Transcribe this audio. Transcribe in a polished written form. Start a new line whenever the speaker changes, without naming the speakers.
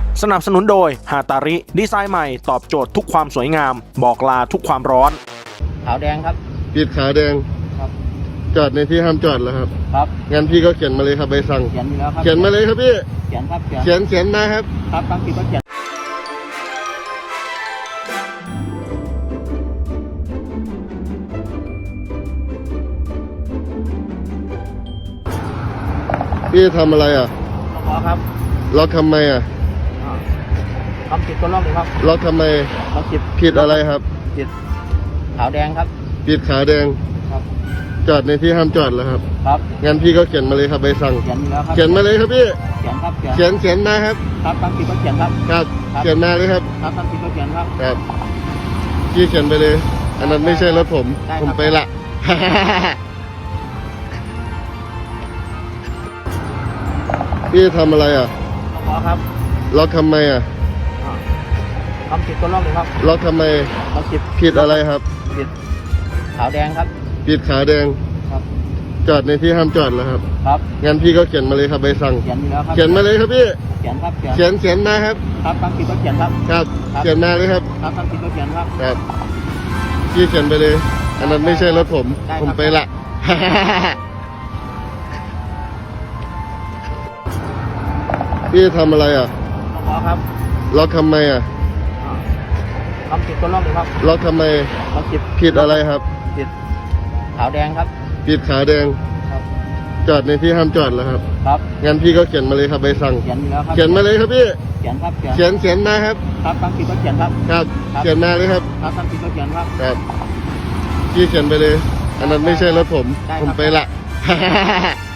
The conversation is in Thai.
สนับสนุนโดยฮาตาริดีไซน์ใหม่ตอบโจทย์ทุกความสวยงามบอกลาทุกความร้อน
ขาวแดงครับ
ปิดขาวแดง
ครับ
จอดในที่ห้ามจอดแล้วครับ
ครับ
งั้นพี่ก็เขียนมาเลยครับใบสั่ง
เขียนอยู่แล้วครับ
เขียนมาเลยครับพี่
เขียนครับ
เขียนมาครับ
ครับบางทีก็เขียน
พี่ทำอะไรอ่ะ
ขอครับ
ล็อกทำไมอ่ะ
ทำผิดก็ล็อกเลยครับ
ล็อกทำไมผิดอะไรครับ
ผิดขาวแดงครับ
ปิดขาวแดง
ครับ
จอดในที่ห้ามจอดแล้วครับ
ครับ
งั้นพี่ก็เขียนมาเลยครับใบสั่ง
เขียนอยู่แล้วครับ
เขียนมาเลยครับพี่
เขียนครับ
เขียนมาครับ
ครับบางทีก็เขียนครับ
ครับเขียนมาเลยครับ
ครับบางทีก็เขียนครับ
ครับพี่เขียนไปเลยอันนั้นไม่ใช่รถผมไปละพี่ทำอะไรอ่ะ
ขอครับ
ล็อกทำไมอ่ะ
ทำผิดก็ล็อกเลยครับ
ล็อกทำไมผิดอะไรครับ
ผิดขาวแดงครับ
ปิดขาวแดง
ครับ
จอดในที่ห้ามจอดแล้วครับ
ครับ
งั้นพี่ก็เขียนมาเลยครับใบสั่ง
เขียนอยู่แล้วครับ
เขียนมาเลยครับพี่
เขียนครับ
เขียนมาครับ
ครับบางทีก็เขียนครับ
ครับเขียนมาเลยครับ
ครับบางทีก็เขียนครับ
ครับพี่เขียนไปเลยอันนั้นไม่ใช่รถผมไปละพี่ทำอะไรอ่ะ
ขอครับ
ล็อกทำไมอ่ะ
ทำผิดก็ล็อกเลยครับ
ล็อกทำไมผิดอะไรครับ
ผิดขาวแดงครับ
ปิดขาวแดง
ครับ
จอดในที่ห้ามจอดแล้วครับ
ครับ
งั้นพี่ก็เขียนมาเลยครับใบสั่ง
เขียนอยู่แล้วครับ
เขียนมาเลยครับพี่
เขียนครับ
เขียนมาครับ
ครับบางทีก็เขียนครับ
ครับเขียนมาเลยครับ
ครับบางทีก็เขียนครับ
ครับพี่เขียนไปเลยอันนั้นไม่ใช่รถผมไปละ